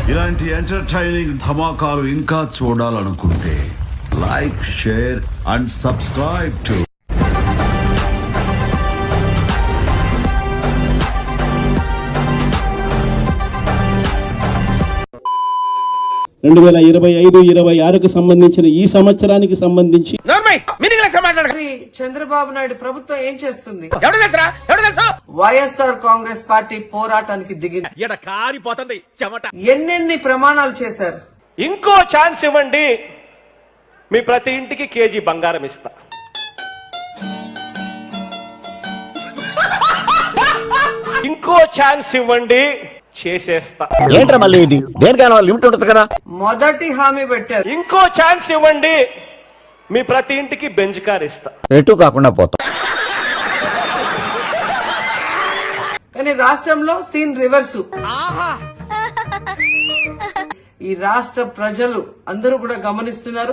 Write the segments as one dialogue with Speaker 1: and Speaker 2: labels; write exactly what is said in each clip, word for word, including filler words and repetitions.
Speaker 1: ఇలాంటి ఎంటర్టైనింగ్ ధమాకాలు ఇంకా చూడాలనుకుంటే like, share and subscribe to
Speaker 2: రెండు వేల ఇరవై ఐదు ఇరవై ఆరుకు సంబంధించిన ఈ సంవత్సరానికి సంబంధించి
Speaker 3: చంద్రబాబు నాయుడు ప్రభుత్వం ఏం చేస్తుంది? వైఎస్ఆర్ కాంగ్రెస్ పార్టీ పోరాటానికి దిగింది. ఎన్నెన్ని ప్రమాణాలు చేశారు?
Speaker 4: ఇంకో ఛాన్స్ ఇవ్వండి, మీ ప్రతి ఇంటికి కేజీ బంగారం ఇస్తా. ఇంకో ఛాన్స్ ఇవ్వండి, చేసేస్తా.
Speaker 5: ఏంట్రా మళ్ళీ ఇది? దేనికైనా లిమిట్ ఉంటుంది కదా.
Speaker 3: మొదటి హామీ పెట్టారు.
Speaker 4: ఇంకో ఛాన్స్ ఇవ్వండి, మీ ప్రతి ఇంటికి బెంజ్ కార్ ఇస్తా.
Speaker 5: ఎటు కాకుండా పోతా.
Speaker 3: కానీ రాష్ట్రంలో సీన్ రివర్స్. ఈ రాష్ట్ర ప్రజలు అందరూ కూడా గమనిస్తున్నారు.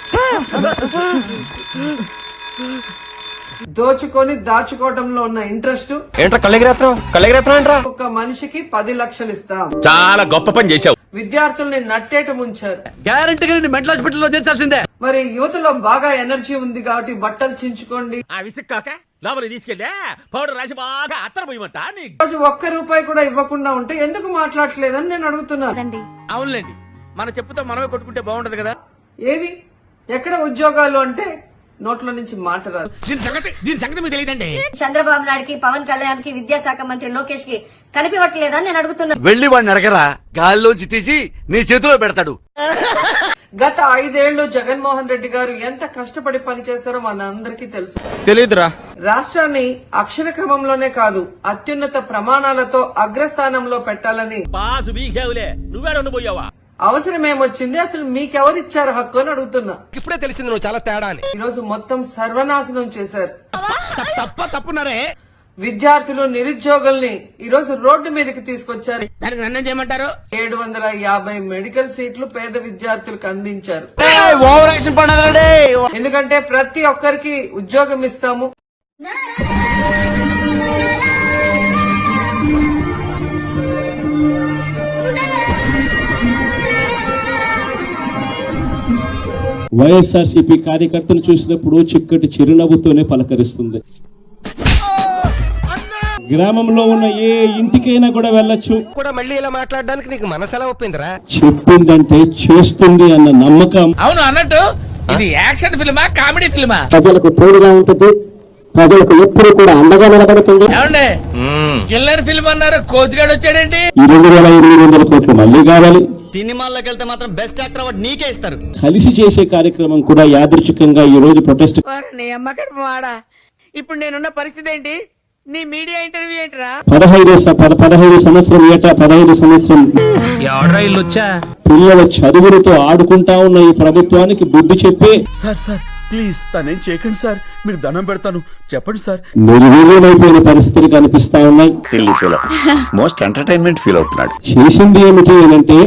Speaker 3: దోచుకొని దాచుకోవడంలో ఉన్న ఇంట్రెస్ట్.
Speaker 5: ఏంట్రా కళ్ళెగిరేత్రం కళ్ళెగిరేత్రం ఏంట్రా?
Speaker 3: ఒక్క మనిషికి పది లక్షలు ఇస్తాం.
Speaker 5: చాలా గొప్ప పని చేశావు.
Speaker 3: విద్యార్థుల్ని నట్టేట ముంచారు.
Speaker 6: గ్యారంటీగా మెంటల్ హాస్పిటల్లో చేర్చాల్సిందే.
Speaker 3: మరి యువతలో బాగా ఎనర్జీ ఉంది కాబట్టి బట్టలు చించుకోండి. రోజు ఒక్క రూపాయి కూడా ఇవ్వకుండా ఉంటే ఎందుకు మాట్లాడలేదని నేను అడుగుతున్నాను.
Speaker 6: అవునులేండి, మన చెప్పుతో మనమే కొట్టుకుంటే బాగుంటది కదా.
Speaker 3: ఏవి ఎక్కడ ఉద్యోగాలు అంటే నోట్ల నుంచి మాట రాదు.
Speaker 6: దీని సంగతి దీని సంగతి మీకు తెలియదండి.
Speaker 7: చంద్రబాబు నాయుడుకి, పవన్ కళ్యాణ్ కి, విద్యాశాఖ మంత్రి లోకేష్ కి కనిపించట్లేదని నేను అడుగుతున్నాను.
Speaker 5: వెళ్ళి వాడిని అడగరా, గాల్లోంచి తీసి నీ చేతిలో పెడతాడు.
Speaker 3: గత ఐదేళ్లు జగన్మోహన్ రెడ్డి గారు ఎంత కష్టపడి పనిచేస్తారో మన అందరికీ తెలుసు.
Speaker 5: తెలీదురా.
Speaker 3: రాష్ట్రాన్ని అక్షర క్రమంలోనే కాదు అత్యున్నత ప్రమాణాలతో అగ్రస్థానంలో పెట్టాలని అవసరం ఏమొచ్చింది? అసలు మీకెవరిచ్చారు హక్కు అని అడుగుతున్నా.
Speaker 6: ఇప్పుడే తెలిసింది నువ్వు చాలా తేడా అని.
Speaker 3: ఈ రోజు మొత్తం సర్వనాశనం చేశారు.
Speaker 6: తప్ప తప్పున్నారే.
Speaker 3: విద్యార్థులు, నిరుద్యోగుల్ని ఈ రోజు రోడ్డు మీదకి తీసుకొచ్చారు.
Speaker 6: దానికి నన్ను చేయమంటారు?
Speaker 3: ఏడు వందల యాభై మెడికల్ సీట్లు పేద విద్యార్థులకు అందించారు. ఎందుకంటే ప్రతి ఒక్కరికి ఉద్యోగం ఇస్తాము.
Speaker 2: వైఎస్ఆర్సీపీ కార్యకర్తను చూసినప్పుడు చిక్కటి చిరునవ్వుతోనే పలకరిస్తుంది. గ్రామంలో ఉన్న ఏ ఇంటికైనా కూడా వెళ్ళొచ్చు.
Speaker 6: కూడా మళ్ళీ ఇలా మాట్లాడడానికి నీకు మనసెలా ఒప్పిందిరా?
Speaker 2: చెప్పిందంటే చేస్తుంది అన్న నమ్మకం.
Speaker 8: అవును అన్నట్టు ఇది యాక్షన్ ఫిల్మా, కామెడీ ఫిల్మా?
Speaker 9: ప్రజలకు తోడుగా ఉంటుంది, ప్రజలకు ఎప్పుడు కూడా అండగా నిలబడుతుంది.
Speaker 8: ఏమండి కిల్లర్ ఫిల్మ్ అన్నారు, కోతిగాడు వచ్చాడేంటి?
Speaker 2: రెండు వేల ఎనిమిది వందల కోట్లు మళ్ళీ కావాలి.
Speaker 6: సినిమాల్లోకి వెళ్తే మాత్రం బెస్ట్ యాక్టర్ అవార్డు నీకే ఇస్తారు.
Speaker 2: కలిసి చేసే కార్యక్రమం కూడా యాదృచ్ఛికంగా ఈ రోజు ప్రొటెస్ట్.
Speaker 8: ఇప్పుడు నేనున్న పరిస్థితి ఏంటి? నీ మీడియా ఇంటర్వ్యూ ఏంటరా?
Speaker 2: పదహైదు పదహైదు సంవత్సరం ఏటా పదహైదు సంవత్సరం పిల్లల చదువులతో ఆడుకుంటా ఉన్న ఈ ప్రభుత్వానికి బుద్ధి చెప్పి,
Speaker 1: సార్ సార్ ప్లీజ్ తనేం చేయకండి సార్, మీకు దండం పెడతాను, చెప్పండి సార్.
Speaker 2: నిర్వీర్యమైపోయిన పరిస్థితులు కనిపిస్తా ఉన్నాయి.
Speaker 5: మోస్ట్ ఎంటర్టైన్మెంట్ ఫీల్ అవుతున్నాడు.
Speaker 2: చేసింది ఏమిటి అంటే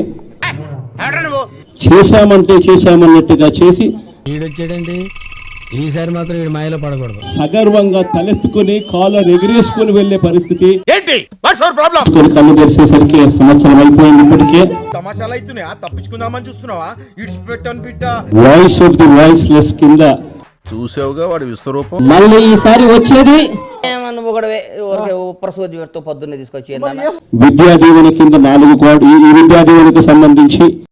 Speaker 2: చేశామంటే చేశామన్నట్టుగా చేసి
Speaker 6: వీడొచ్చాడండి. ఈసారి మాత్రం వీడు మాయలో పడకూడదు.
Speaker 2: సగర్వంగా తలెత్తుకుని కాలర్ ఎగిరేసుకుని వెళ్లే పరిస్థితి.
Speaker 5: ఏంటి ప్రాబ్లం?
Speaker 2: కళ్ళు తెరిసేసరికి సంవత్సరం అయిపోయింది. ఇప్పటికే
Speaker 6: సమాచారాలు అవుతున్నాయా? తప్పించుకుందామని చూస్తున్నావా? ఇడిచిపెట్టాను బిడ్డ.
Speaker 2: Voice of the voiceless కింద
Speaker 1: చూసావుగా వాడి విశ్వరూపం.
Speaker 2: మళ్ళీ ఈసారి వచ్చేది
Speaker 8: పొద్దున్నే తీసుకొచ్చి
Speaker 2: విద్యా దీవెన కింద నాలుగు కోట్లు. ఈ విద్యా దీవెనకు సంబంధించి